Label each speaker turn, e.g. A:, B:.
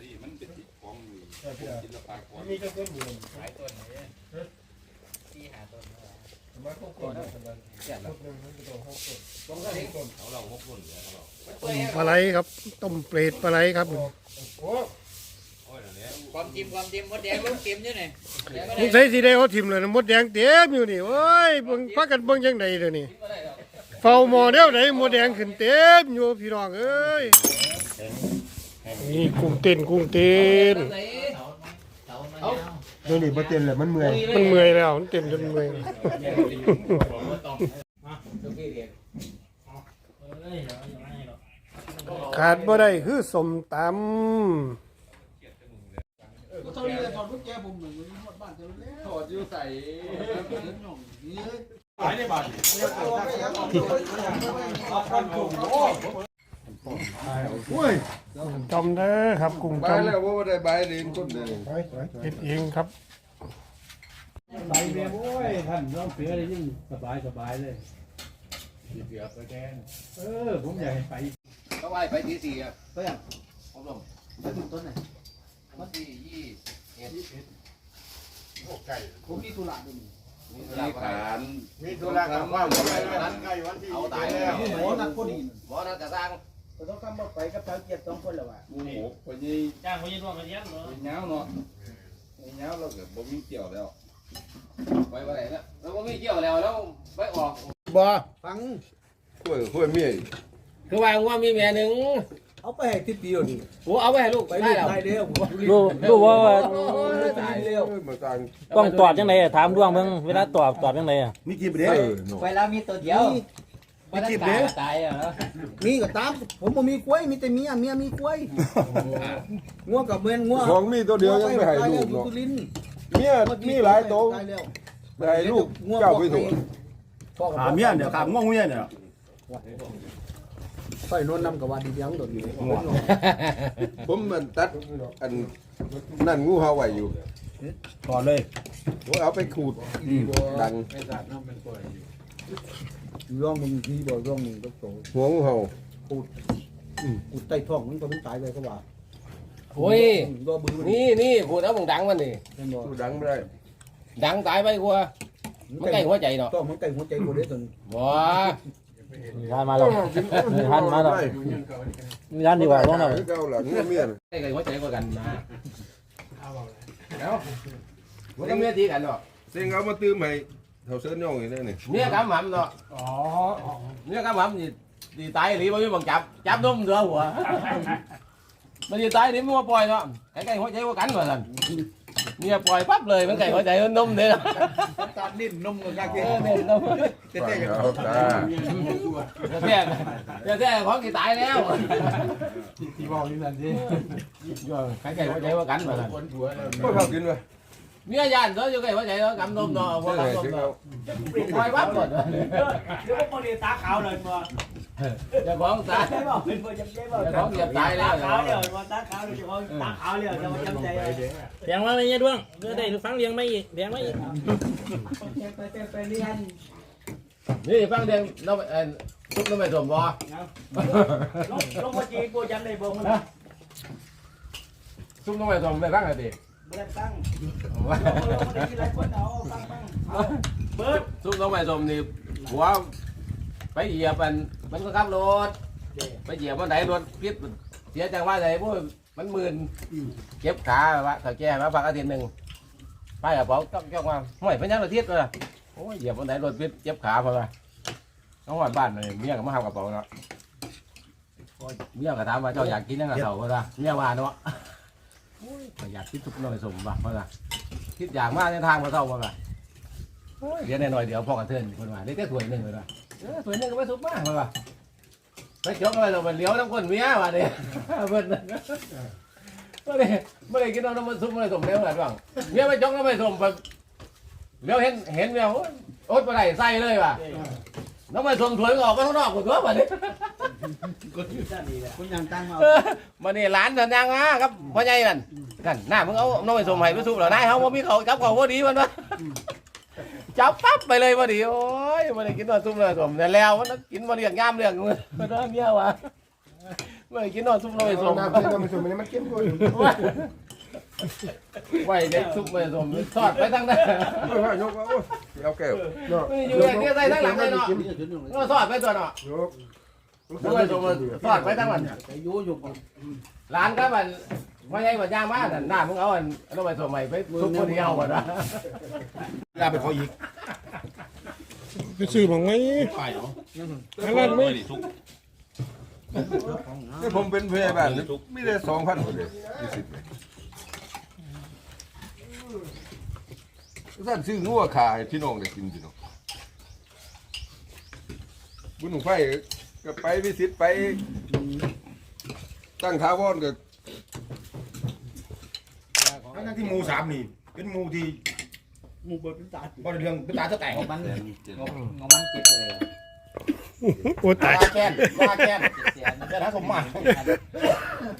A: ดิมันเป็นติดของศิลปะก่อน
B: มีต้นอยู่
C: หลายต้นเลยที่หาต้น
B: มาต้นก่อนนะต้นนึงมันจะต้อง6ต้นต้องก็6ต้น
A: เขาเรา6ต้นเหลือเขาเรา
D: ต้มปลาไหลครับต้มเปรตปลาไหลครับ
B: โอ้
C: ความจิ้มมดแดงลูกจิ้มอยู่ไหน
D: มึงใส่สีแดงเขาทิมเลยนะมดแดงเต็มอยู่นี่โอ้ยเบิ่งพักกันเบิ่งยังไงเดี๋ยวนี้เฝ้าหม้อเดียวไหนมดแดงขึ้นเต็มอยู่พี่น้องเอ้ยนี่กุ้งเต้น
B: นี่นี่บ่เต็มเลยมันเมื่อย
D: แล้วมันเต็มจนเมื่อยขาดบ่ได้คือสมตำ
E: เท่านี้เลยถอดกุญแจผมเหมือนหมดบ้านเท่านี้ถอดอยู่ใส่หายในบ้านโอ้ย
D: จำเด้อครับกุ้ง
A: ใบ
D: จำ
A: แล้วว่าได้ใบเรียนคนเดียว
D: เฮ็ดเองครับ
E: ใส่เมียโอ้ยท่านน้องเสือเลยยิ่งสบายเลยเสือไปแกนผมอยากให้ไป
C: เขาไหว้ไปที่4อ่ะเพื่อนผมลง
E: ไปถึงต้นไหน
C: วันที่
E: ผมมีธุระด้วย
A: มีฐาน
B: มีธุระกับว่าวันใกล้วันที่
C: เอาตายแล้ว
E: หมอนัดพอดี
C: บ่นัดจะสร้าง
E: ก็ต้องทำบ่ไปกับชาวเกียรติ2คนแล้วว่ะ
A: งูหกไปยี่
C: จ้างไปยืนร่วมกันยันเนาะ
A: ไปเงาเนาะไปเงาเราเกิดบ่มีเกี่ยวแล้ว
C: ไปไหนแล้วแล้วก็ไม่เกี่ยวแล้วไปออก
B: บ่ฟัง
A: คุยเมีย
C: คือว่ามีแม่หนึ่ง
E: เอาไปให้ทิศเดียวนี่
C: กูเอาไปให้ลูก
E: ไป
C: ได้
E: เรียน
C: แล้ว
E: ได้เร็ว
F: รู้ว่า
E: ตายเร็ว
A: มาต่าง
F: ต้องตอบจังไดถามดวงเบิ่งเวลาตอบจังไดอ่ะ
B: มีกี่ประเด็น
C: ไปแล้วมีตัวเดียวตายอ่ะ
E: มีก็ตามผมบ่มีกล้วยมีแต่เมียมีกล้วยงัวกับเมือนงัว
A: ของมีตัวเดียวยังไม่ให้ลูกเนาะ
E: สุรินทร์
A: เมียมีหลายโต
E: ตายแล้ว
A: ไม่ให้ลูกเจ้าไปถูก
B: ขาเมียเนี่ยขาง่วงเมียเนี่ย
E: ค่อยนอนนำกับว่าดีเดียวโดดอยู่
A: ผมมันตัดอันนั่นงูเห่าไว้อยู่
B: ก่อนเลย
A: ผมเอาไปขูดดัง
E: ร่องมึงทีบ่ร่องมึงก็โต
A: หัวงูเห่า
E: กูใต้ท้องมันก็มันตายไปก็ว่า
C: โอ้ย
E: รอบือ
C: นี่พูดเอามึงดังมันนี่
E: เป็นบ่
A: ดูดังไม่ได้
C: ดังตายไปกว่ามันใกล้หัวใจเนาะ
E: ต้องมันใกล้หัวใจกูได้ตน
C: บ่
F: ทานมาแล้วทานมาแล้วทานดีกว่าลงแล้ว
A: เก้าหลังเมีย
C: ใกล้หัวใจกว่ากันนะแล้วมันก็เมียตีกันเนาะ
A: เสียงเอามาตื้มให้เท่าเส้นย่องอย่างนี้นี่
C: เมียกำหำเนาะเมียกำหำthì tay đi bao nhiêu bằng chắp đúng rửa hùa mà đi tay đi mua bòi đó cái hoa cháy có cánh mà thành nghe bòi bắp lời mấy cái hoa cháy hơn nung thế đó
E: ตัดดิ้นนมกับกาเก
C: nên đâu
A: เอาตา
C: thế có cái tay đéo
E: ที่บอกนี่นั่นสิ
C: cái hoa cháy có cánh mà thành
A: ก็เข้ากินไป
C: mía dàn đó cho cái hoa cháy đó cắm nôm đó hoa cắm nôm đó bòi bắp rồi
E: เดี๋ยวพวกนี้ตาขาวเลยมา
C: giờ con ta
E: ได้บ่เป็นบ่จำใจบ่
C: giờ con dẹp tay
E: ตา
C: đó
E: ขาวเดี๋ยวมาตาขาวเดี๋ยวตาขาวเดี๋ยวจะมาจำใจ
F: เสียงมาเลยเนี่ยดวงเพื่อได้ฟังเลี้ยงไม่อีกเลี้ยงไม่อีก
E: ไปเรียน
C: นี่ฟังเดียงเราทุกเราไม่สมบ่
E: ลงมาจีกูจำได้บ่มัน
C: ทุกเราไม่สมไม่ฟังอะไรดิ
E: บ่ได้ตั้งลงมาที่ไรคนเอาฟังเบิด
C: ทุกเราไม่สมนี่หัวไปเหยียบมันก็ขับรถไปเหยียบมันไหนรถพิษเสียจังว่าไหนพวกมันมื่นเจ็บขาว่าถ้าแกมาพักอาทิตย์หนึ่งไปกับเขาจ้องว่าห่วยเป็นยังอาทิตย์เลยโอ้ยเหยียบมันไหนรถพิษเจ็บขาเพราะว่าน้องหวานบ้านเลยเมียก็มาทำกระเป๋าเนาะเมียก็ถามว่าเจ้าอยากกินยังกระเป๋าเพราะว่าเมียว่าเนาะอยากคิดทุกหน่อยสมบัติเพราะว่าคิดอยากมากในทางมาเท่าเพราะว่าเดี๋ยวหน่อยเดี๋ยวพ่อกันเทินคนว่าได้แค่ถ้วยหนึ่งเลยว่าถ้วยหนึ่งก็ไม่สุกมากเพราะว่าไปจกอะไรเราเป็นเลี้ยวน้ำก้นเมียว่ะเนี่ยเบิ้ลไม่ได้กินน้ำมันซุปไม่ได้สมเลี้ยวอะไรบ้างเมียไปจกแล้วไม่สมแบบเลี้ยวเห็นเมียโอ๊ตไปไหนใส่เลยว่ะน้ำมันสมถ้วยออกก็ข้างนอกหมดตัวแบบนี้
E: คุณยังตั้งมา
C: มันนี่ร้านสัญญาณครับพ่อใหญ่มันกันหน้ามึงเอาน้ำมันสมให้ไปซุปเหรอนายเขาว่ามีเขาจับเขาว่าดีมันวะจับปั๊บไปเลยพอดีโอ้ยมันได้กินตัวซุปเลยสมแต่แล้วมันกินมาเรียงย่ามเรียงมันเมียวะไม่กินนอนซุปน้อยสม
A: น้ำเส้นน้ำมันสมมันเข้มข้น
C: ไว้เด็กซุปน้อยสมทอดไปทั้งนั้น
A: ว่ายกเอาแก้วเนาะ
C: อยู่อย่างนี้ใส่ทั้งหลังเลยเนาะก็ทอดไปตัวเนาะ
A: ยก
C: ด้วยสมทอดไปทั้งวัน
B: อยู่อยู่
C: ร้านก็มันไม่ใช่ว่าย่างมากหน้ามึงเอาอันต้องไปสมัยไปซุปคนเดียวก่อนนะ
G: ลาไปขออีก
D: ไปซื้อบังไหม
G: ไปเนาะ
D: อันนั้นไหม
A: นี่ผมเป็นพยาบาลไม่ได้2,000คนเลยท่านซื้องัวขายพี่น้องได้กินพี่น้องบุญหนุ่มไฟก็ไปวิสิตไปตั้งท้าวอนก็
G: ทั้งที่หมู3นี่เป็นหมูที่
B: หมู่เบิดเป็นตา
G: บ่ได้เรื่องเป็นตาจะแตก
B: งมันเจ็บเลย
D: โอ้ตาย
C: ว่าแค้น
B: เสีย
C: จะท้าสมมา
B: เ